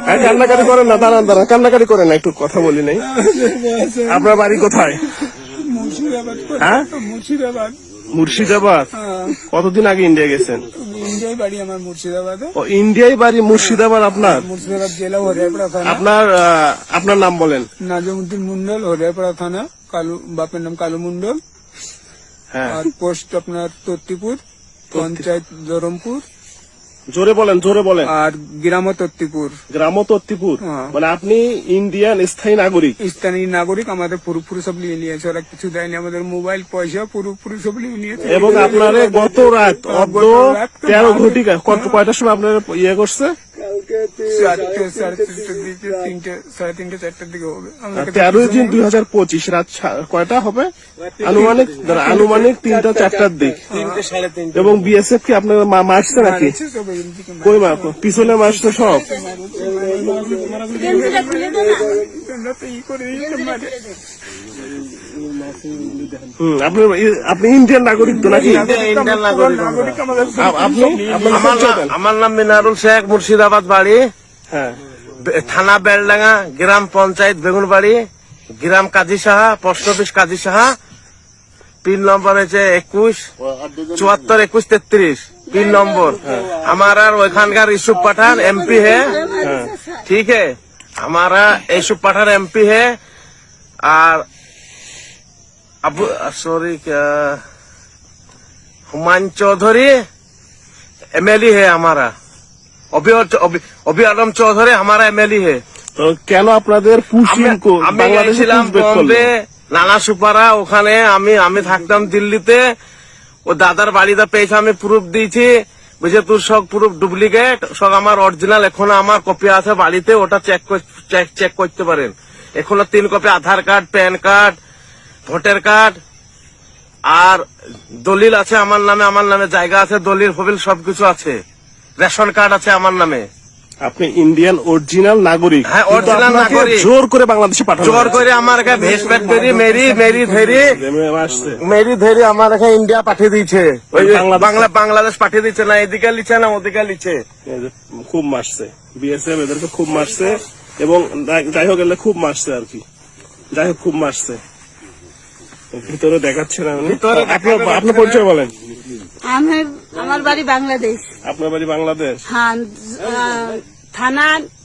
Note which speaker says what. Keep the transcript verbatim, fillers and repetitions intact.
Speaker 1: কান্নাকাটি করেন না, দাঁড়ান দাঁড়ান, কান্নাকাটি করেন না, একটু কথা বলি নাই। আপনার বাড়ি কোথায়?
Speaker 2: মুর্শিদাবাদ।
Speaker 1: হ্যাঁ,
Speaker 2: মুর্শিদাবাদ।
Speaker 1: মুর্শিদাবাদ। কতদিন আগে ইন্ডিয়া গেছেন?
Speaker 2: ইন্ডিয়ায় বাড়ি আমার মুর্শিদাবাদে।
Speaker 1: ও, ইন্ডিয়ায় বাড়ি মুর্শিদাবাদ আপনার?
Speaker 2: মুর্শিদাবাদ জেলা হরিয়ারপাড়া থানা।
Speaker 1: আপনার আহ, আপনার নাম বলেন।
Speaker 2: নাজমুদ্দিন মন্ডল, হরিয়ারপাড়া থানা। কালু, বাপের নাম কালু মন্ডল।
Speaker 1: হ্যাঁ,
Speaker 2: আর পোস্ট আপনার তত্তিপুর, পঞ্চায়েত ধরমপুর।
Speaker 1: জোরে বলেন, জোরে বলেন।
Speaker 2: আর গ্রাম তত্তিপুর।
Speaker 1: গ্রাম তত্তিপুর।
Speaker 2: হ্যাঁ।
Speaker 1: মানে আপনি ইন্ডিয়ান স্থায়ী নাগরিক?
Speaker 2: স্থানীয় নাগরিক। আমাদের পুরোপুরি সব নিয়ে নিয়েছে ওরা, কিছু দেয়নি। আমাদের মোবাইল পয়সা পুরোপুরি সব নিয়ে নিয়েছে।
Speaker 1: এবং আপনার গত রাত অর্ধ তেরো ঘটিকা কত কয়টার সময় আপনার ইয়ে করছে?
Speaker 2: চারটে সাড়ে তিনটের দিকে, তিনটে সাড়ে তিনটে চারটের দিকে হবে। আমাকে
Speaker 1: তেরোই জুন দুই হাজার পঁচিশ রাত সা- কয়টা হবে? আনুমানিক দাঁড়া, আনুমানিক তিনটা চারটার দিক। এবং বিএসএফ কি আপনার মা- মারছে নাকি?
Speaker 2: সব এদিকে
Speaker 1: কই মা পিছনে মারছে সব?
Speaker 2: আমরা তো ই করে দিয়েছে, মানে
Speaker 1: হুম, আপনি আপনি ইন্ডিয়ান নাগরিক তো নাকি?
Speaker 3: ইন্ডিয়ান নাগরিক।
Speaker 2: নাগরিক আমাদের
Speaker 1: আ- আপনি আপনার
Speaker 3: আমার
Speaker 1: পরিচয়
Speaker 3: নাম-
Speaker 1: দেন।
Speaker 3: আমার নাম মিনারুল শেখ, মুর্শিদাবাদ বাড়ি,
Speaker 1: হ্যাঁ,
Speaker 3: বে- থানা বেলডাঙ্গা, গ্রাম পঞ্চায়েত বেগুনবাড়ি, গ্রাম Kazi Saha, post office Kazi Saha. Pin number হচ্ছে একুশ চুয়াত্তর একুশ তেত্রিশ পিन नंबर। हमारा ওইখানকার ইসুফ पठान एमपी है, ठीक है। हमारा इसूफ पठान एमपी है। और अब सॉरी क्या हुमायूं चौधरी एमएलए है हमारा। अभी अभी आलम चौधरी हमारा एमएलए है।
Speaker 1: তো কেন আপনাদের পুশিং
Speaker 3: আমি- আমি
Speaker 1: বাংলাদেশে
Speaker 3: গেছিলাম
Speaker 1: পুশব্যাক করলো?
Speaker 3: বম্বে, নানা সুপারা, ওখানে আমি আমি থাকতাম দিল্লিতে। ও দাদার বাড়িতে পেয়েছে, আমি প্রুফ দিয়েছি, বুঝে তোর সব প্রুফ ডুপ্লিকেট, সব আমার অরিজিনাল। এখনো আমার কপি আছে বাড়িতে, ওটা চেক চেক চেক করতে পারেন। এখনো তিন copy Aadhaar card, PAN card, voter card আর দলিল আছে আমার নামে। আমার নামে জায়গা আছে, দলিল ফবিল সবকিছু আছে, রেশন কার্ড আছে আমার নামে।
Speaker 1: আপনি ইন্ডিয়ান অরিজিনাল নাগরিক?
Speaker 3: হ্যাঁ,
Speaker 1: কিন্তু
Speaker 3: original
Speaker 1: আপনাকে
Speaker 3: নাগরিক।
Speaker 1: জোর করে বাংলাদেশে পাঠানো
Speaker 3: জোর
Speaker 1: হয়েছে।
Speaker 3: করে আমার কাছে ভেস পেট ধরি, মেরি মেরি ধরি
Speaker 1: জেমে আসছে।
Speaker 3: মেরি ধরি আমার এখানে ইন্ডিয়া পাঠিয়ে দিয়েছে। ওই যে
Speaker 1: বাংলাদেশ-
Speaker 3: বাংলা বাংলাদেশ পাঠিয়ে দিচ্ছে না, এদিকে লিখছে না ওদিকে লিখছে।
Speaker 1: এই যে খুব মারছে বিএসএফ, এদেরকে খুব মারছে। এবং যাই- যাই হোক এলে খুব মারছে আর কি, যাই হোক খুব মারছে। ভিতরে দেখাচ্ছে না উনি।
Speaker 3: ভিতরে
Speaker 1: আপনার আপনার পরিচয় বলেন।
Speaker 4: আমার আমার বাড়ি বাংলাদেশ।
Speaker 1: আপনার বাড়ি বাংলাদেশ?
Speaker 4: হ্যাঁ, আহ, থানা